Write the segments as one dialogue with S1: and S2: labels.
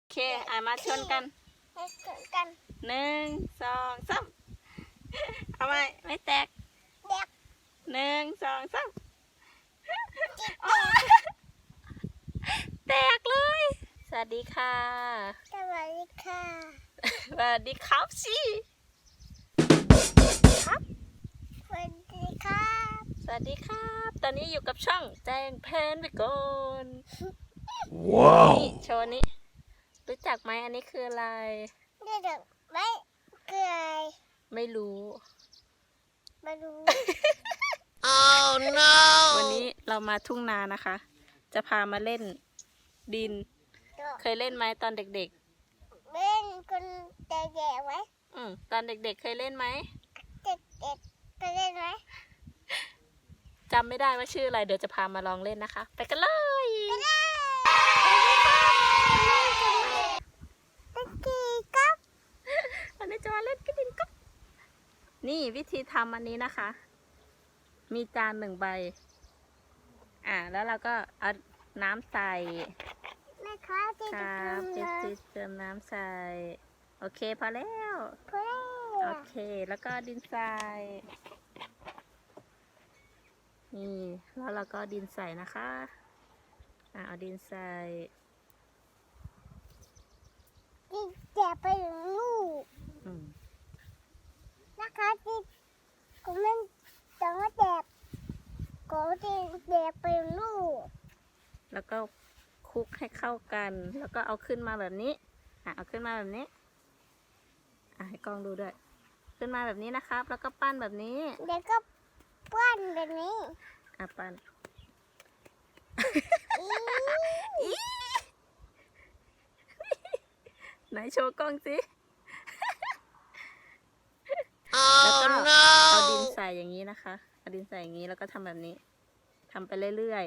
S1: เคมาชนกัน1 2 3เอาไหมไม่แตก1 2 3แตกเลยสวัสดีค่ะ
S2: สวัสดีค่ะ
S1: สวัสดีครับสิครับ
S2: สวัสดีครับ
S1: สวัสดีครับตอนนี้อยู่กับช่องแจ้งแพนไปก่อน
S3: ว้าว
S1: นี่โชว์นี้รู้จักไหมอันนี้คืออะไร
S2: เด็กไม่เกลือ
S1: ไม่รู้
S2: มาดู
S3: oh no
S1: วันนี้เรามาทุ่งนานะคะจะพามาเล่นดินเคยเล่นไหมตอนเด็ก
S2: ๆเล่นคนแก่ๆไว้
S1: ตอนเด็กๆเคยเล่นไหม
S2: เด็กๆไปเล่นไหม
S1: จำไม่ได้ว่าชื่ออะไรเดี๋ยวจะพามาลองเล่นนะคะไปกันเลย
S2: ตะกี้ครับ
S1: วันนี้จะมาเล่นกันดินกับนี่วิธีทำอันนี้นะคะ มีจาน1 ใบแล้วเราก็เอาน้ำใส่
S2: แม่ค้าที่
S1: ค
S2: จะ
S1: รับ
S2: ทำ
S1: จิ
S2: เลย
S1: เติมน้ำใส่โอเคพอแล้ว
S2: เพื่อ
S1: โอเคแล้วก็ดินทรายนี่แล้วเราก็ดินใส่นะคะเอาดินใส่
S2: ที่แจกไปถึงลูกนะคะที่ก็ไม่ต้องมาแจกก็ที่แจกไปถึงลูก
S1: แล้วก็คลุกให้เข้ากันแล้วก็เอาขึ้นมาแบบนี้เอาขึ้นมาแบบนี้ให้กล้องดูด้วยขึ้นมาแบบนี้นะครับแล้วก็ปั้นแบบนี้
S2: เด็กก็ปั้นแบบนี้
S1: ปั้นไหนโชว์กล้องสิ แล้วก็
S3: oh no
S1: เอาดินใส่อย่างนี้นะคะเอาดินใส่อย่างนี้แล้วก็ทำแบบนี้ทำไปเรื่อย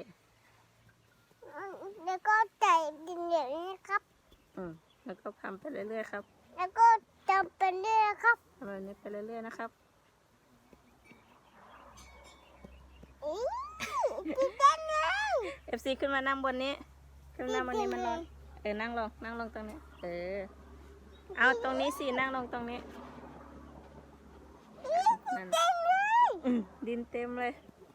S2: แล้วก็ใส่ดินอย่างนี้ครับ
S1: ๆแล้วก็ทำไปเรื่อยๆครับ
S2: แล้วก็จำเป็นเรื่องครับ
S1: ทำแบบนี้ไปเรื่อยๆนะครับ
S2: กินได้เลย
S1: FC ขึ้นมานั่งบนนี้ขึ้นมานั่งบนนี้มันร้อนนั่งลงตรงนี้เอาตรงนี้สินั่งลงตรงนี้นั่นดินเต็มเลย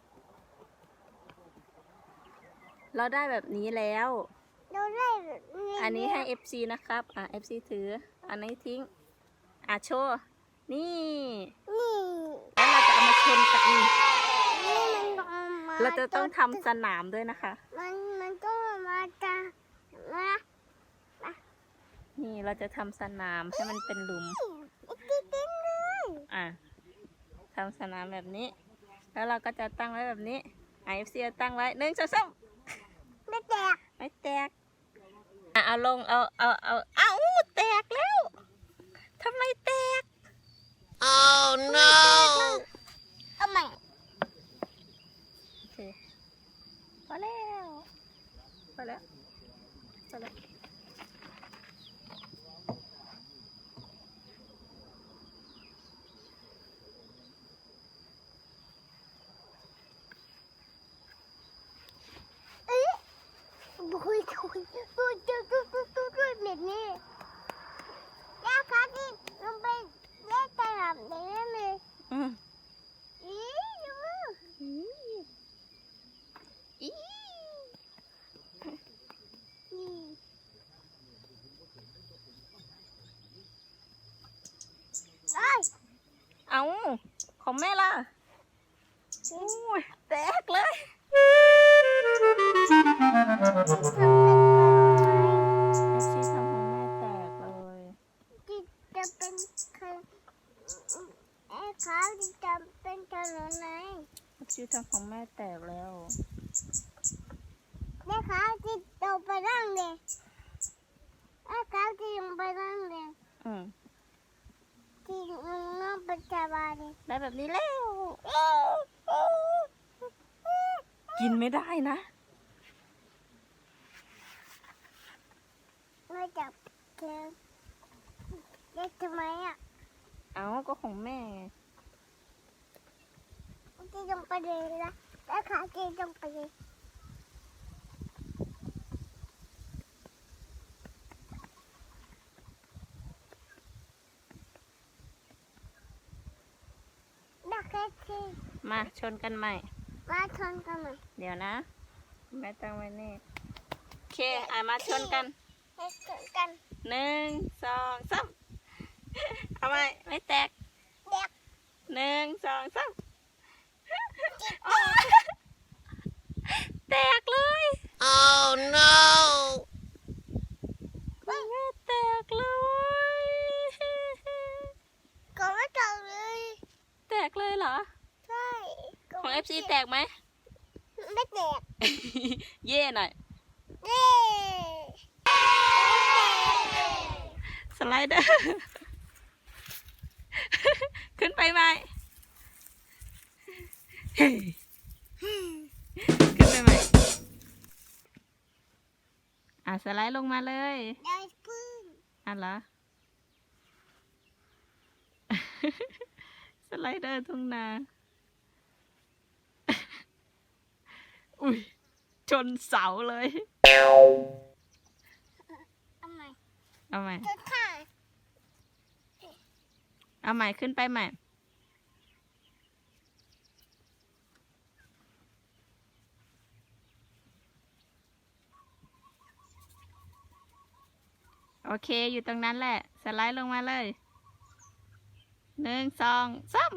S1: เราได้แบบนี้แล้ว
S2: เราได้
S1: อันนี้ให้ FC นะครับFC ถืออันนี้ทิ้งโชว์นี่
S2: นี่
S1: แล้วเราจะเอามาชนกัน
S2: นี่มัน
S1: เราจะต้องทำสนามด้วยนะคะ
S2: มันก็มาจากมา
S1: นี่เราจะทำสนามให้มันเป็นหลุม
S2: กินได้เลย
S1: ทำสนามแบบนี้ แล้วเราก็จะตั้งไว้แบบนี้FC ตั้งไว้1 2 3
S2: ไม่แตก
S1: ไม่แตกเอาลงเอาแตกแล้วทำไมแตก
S3: oh no
S2: เอาใหม่
S1: โอเคพอแล้วพอแล้วพอแล้ว
S2: แบบนี้แล้วเขาที่ลงไปเล่นตลาดได้เลยดู
S1: เอาของแม่ล่ะแตกเลย FC ทำของแม่แตกเลย
S2: ที่จะเป็นเขาที่จะเป็นถนนไหน
S1: FC ทำของแม่แตกแล้ว
S2: แม่ค้าที่ลงไปนั่งเลยแม่ค้าที่ลงไปนั่งเลยที่น้องเป็นชาวบ้านเลย
S1: ได้แบบนี้แล้ว กินไม่ได้นะ
S2: ไม่จับแกเด็กทำไม
S1: เอาก็ของแม่ไง
S2: ที่ลงไปเลยนะแม่ค้าที่ลงไปเลยที่
S1: มาชนกันใหม่
S2: มาชนกันไหม
S1: เดี๋ยวนะแม่ตั้งไว้นี่โอเคมาชนกัน
S2: ให้ชนกัน
S1: 1 2 3เอาไหมไม่แตก
S2: เด็ก
S1: 1 2 3แตกเลย
S3: Oh no!
S1: แม่แตกเลย
S2: ก็ไม่จบเลย
S1: แตกเลยเหรอ
S2: ใช่ก็
S1: ของ
S2: ไม่
S1: FC แตกไหม
S2: ไม่แตก
S1: เย่หน่อย
S2: เย้
S1: สไลเดอร์ ขึ้นไปไหมเฮ้ยขึ้นไปไหมสไลด์ลงมาเลย
S2: ได้พึ่ง
S1: เหรอ สไลเดอร์ทุ่งนา อุ้ยชนเสาเลย
S2: เอาใหม่
S1: เอาใหม่
S2: จะถ่าย
S1: เอาใหม่ขึ้นไปใหม่ โอเคอยู่ตรงนั้นแหละ สไลด์ลงมาเลย 1 2 3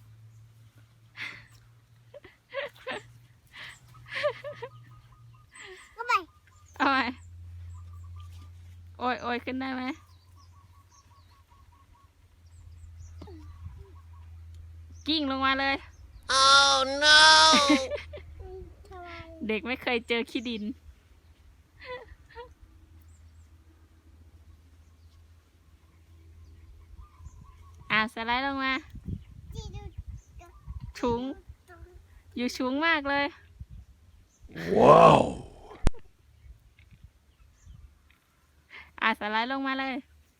S2: เอาใหม่
S1: เอาไหมโอ้ยโอ้ยขึ้นได้ไหมกิ้งลงมาเลย
S3: Oh no!
S2: ทำไม
S1: เด็กไม่เคยเจอขี้ดิน สไลด์ลงมา
S2: จีดู
S1: ชุง อยู่ชุงมากเลย
S3: Wow!
S1: สไลด์ลงมาเลย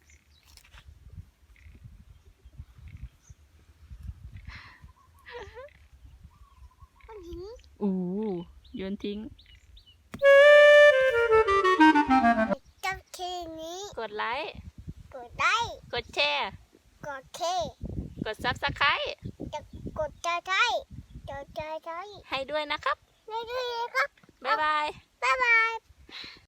S2: มันหิน
S1: โยนทิ้ง
S2: จับเคนี้
S1: กดไลค์
S2: กดได้
S1: กดแชร์
S2: กดเค
S1: กด Subscribe
S2: จะกดใจใช้จะใจใช้
S1: ให้ด้วยนะครับ
S2: ไม่ได้เลยครับ
S1: บ๊ายบาย
S2: บ๊ายบาย